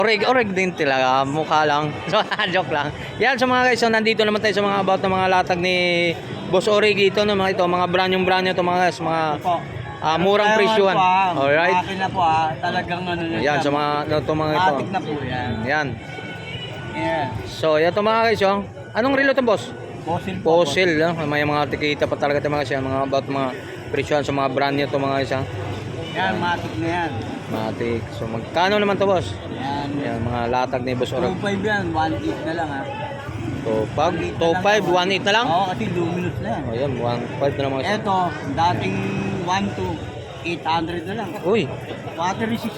Oreg din talaga, mukha lang. Joke lang. Yan sa mga guys, so nandito naman tayo sa mga about ng mga latag ni Boss Oreg ito, no, mga ito, mga brand nyo to mga guys, mga murang presyuhan. Alright. Makina po talagang ano na. Yan sa mga to mga ito. Matik na po yan. Yan. Yeah. So, ito mga guys, oh. Anong relo to, boss? Fossil po. Fossil, no? May mga tikita pa talaga ito mga guys, mga about mga presyuhan sa mga brand nyo to mga guys, ha? Yan, matik na yan. Matik. So, magkano naman to, boss? Yan. Yan, mga latag ni Boss Oreg. 2.5 yan, 1.8 na lang ha. Top 5, 1.8 na lang? Oo, kasi luminous na yan. O yan, 1.5 na lang mga Ito, dating 1 to 800 na lang. Uy, Water resist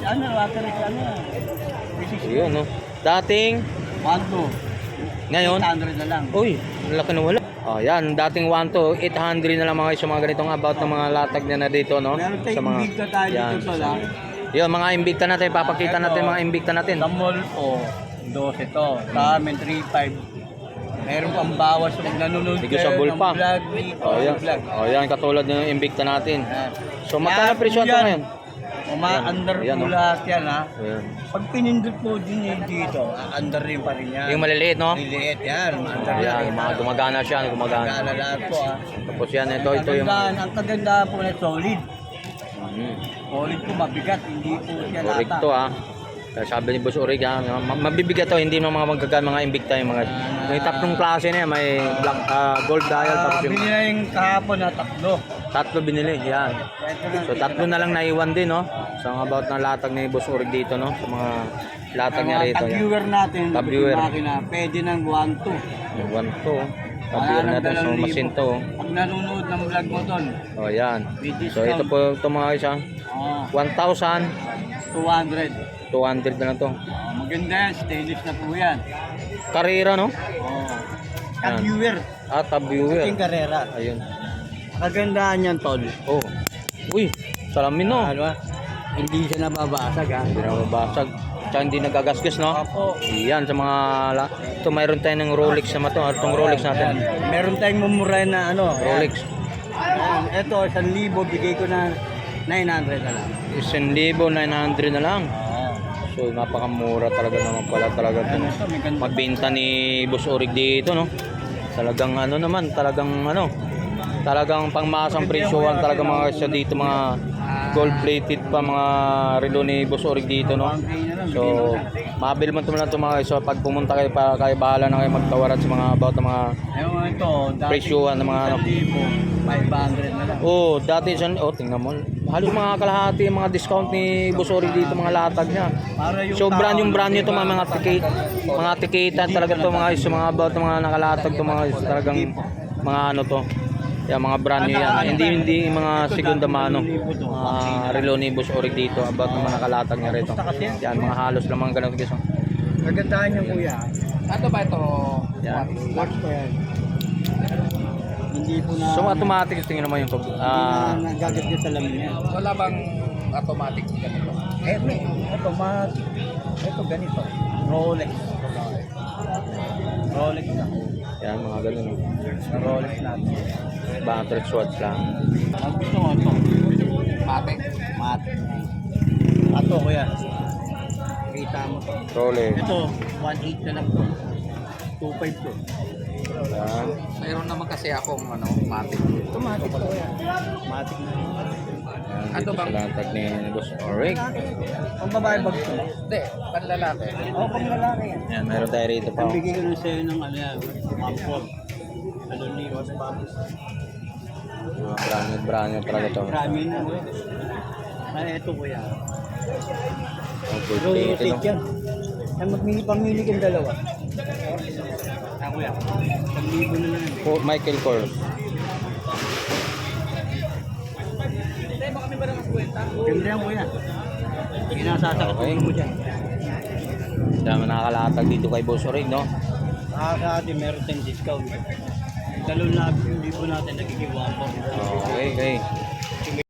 yun, no? Dating, 1 to ngayon, 800 na lang. uy, laki na wala. O yan, dating 1 to 800 na lang mga sa mga ganitong about ng mga latag na dito, no? Meron Sa tayong mga, Invicta tayo yan. dito pala. Yun, mga imbikta natin, papakita natin mga imbikta natin. Sa mall po, 12 to. Sa amin, 3.5. Meron pang bawas pag nanonood Sige, sa bull pa. vlog. O yan, o yan, katulad ng imbikta natin. So, magkano presyo ito ngayon? Under Yan, po oh. lahat yan ha. Ayan. Pag pinindot po din yun dito, under rin pa rin yan. Yung maliliit, no? Liliit yan, under Yan, mga gumagana siya, gumagana. Gala lahat po ha. Tapos yan, ito yung... Ang kagandahan po na solid. Hmm. Solid po, mabigat, hindi po siya Correct lata. to, ha. Kaya sabi ni Boss Oreg, ha, mabibigat to, hindi mga magagaan, mga imbikta yung mga... May tatlong klase na yan, may black, gold dial, tapos yung... Bili na yung kahapon na Tatlo binili, yan. So tatlo na lang naiwan din, no? So about ng latag ni Boss Oreg dito, no? Sa mga latag niya rito. Tag-viewer natin, Tag-viewer. makina, pwede ng 1-2. Yung one to, tag-viewer natin sa machine to. Pag nanonood ng vlog mo doon, Oh, yan. with So ito discount, po, ito mga isa. 1,200 200. na lang to. Maganda yan, stainless na po yan. Karera, no? Tag-viewer, Tab-viewer. yung karera. Ayun. Kagandahan yan, tol. Oh. Uy, salamin, no? Ano ba? Hindi siya nababasag ha. Hindi na mabasag. Tsaka hindi nagagasgas, no? Opo. Yan, sa mga... Ito, mayroon tayo ng Rolex naman to. Itong Rolex natin. Meron tayong mumuray na ano. Rolex. Ayan. Ito, 1,000, bigay ko na 900 na lang. 1,900 na lang. Oo. So, napakamura talaga naman pala talaga ito. Ano ito, may ganda. Magbenta ni Boss Oreg dito, no? Talagang ano naman, talagang pangmasang presyohan talaga mga siya dito, mga gold plated pa mga relo ni Boss Oreg dito, no? So, mabil man naman ito mga guys. So, pag pumunta kayo, kayo bahala na kayo magtawaran sa mga about ng mga Ewan ito, presyuhan ng mga ano. 500 na lang. Oh, dati siya, oh, tingnan mo. Halos mga kalahati yung mga discount ni Boss Oreg dito, mga latag niya. Para yung So, brand new to mga tikita talaga to mga guys, mga about ng mga nakalatag to mga guys, talagang mga ano to. Yan, mga brand new yan. Hindi mga segunda mano. Relo ni Boss Oreg dito about ng mga nakalatag niya rito. Yan, mga halos lang mga ganun guys. Oh. Kagandahan niya kuya. Ano ba ito? Yan. Watch pa yan. Hindi po na... So, automatic tingin naman yung nagagat niya sa lamin yan. Wala bang automatic ganito? May automatic. Ito ganito. Rolex. Rolex na. yan, mga ganun. Rolex natin. Battery swatch lang. Ang gusto mo ito. Matic? Matic. Ato kuya. Kita mo to. Rolex. Ito, 1.8 na lang to. 2.5 to. Yan. Mayroon naman kasi akong matic. Ito matic to kuya. Matic na. Yan, Ano dito bang- sa latag ni Boss Oreg. Pang babae ba gusto mo? Hindi, panlalaki. Oo, pang lalaki yan. Yan, meron tayo rito pa. Ang bigay ko na sa'yo ng ano yan, Pampol. Ano ni Ross Pampol. Brand new talaga to. Marami na. Ay, ito kuya. Oh, gold plated, Rotate no? yan. Ay, pamili kang dalawa. Ah, kuya. 1,000 na lang. Michael Kors. Ganda yan kuya. Ginasasakit Okay. mo dyan. Dami nakalatag dito kay Boss Oreg, no? Sa atin meron tayong discount. 2,000 natin nagiging 1,000. Okay, okay.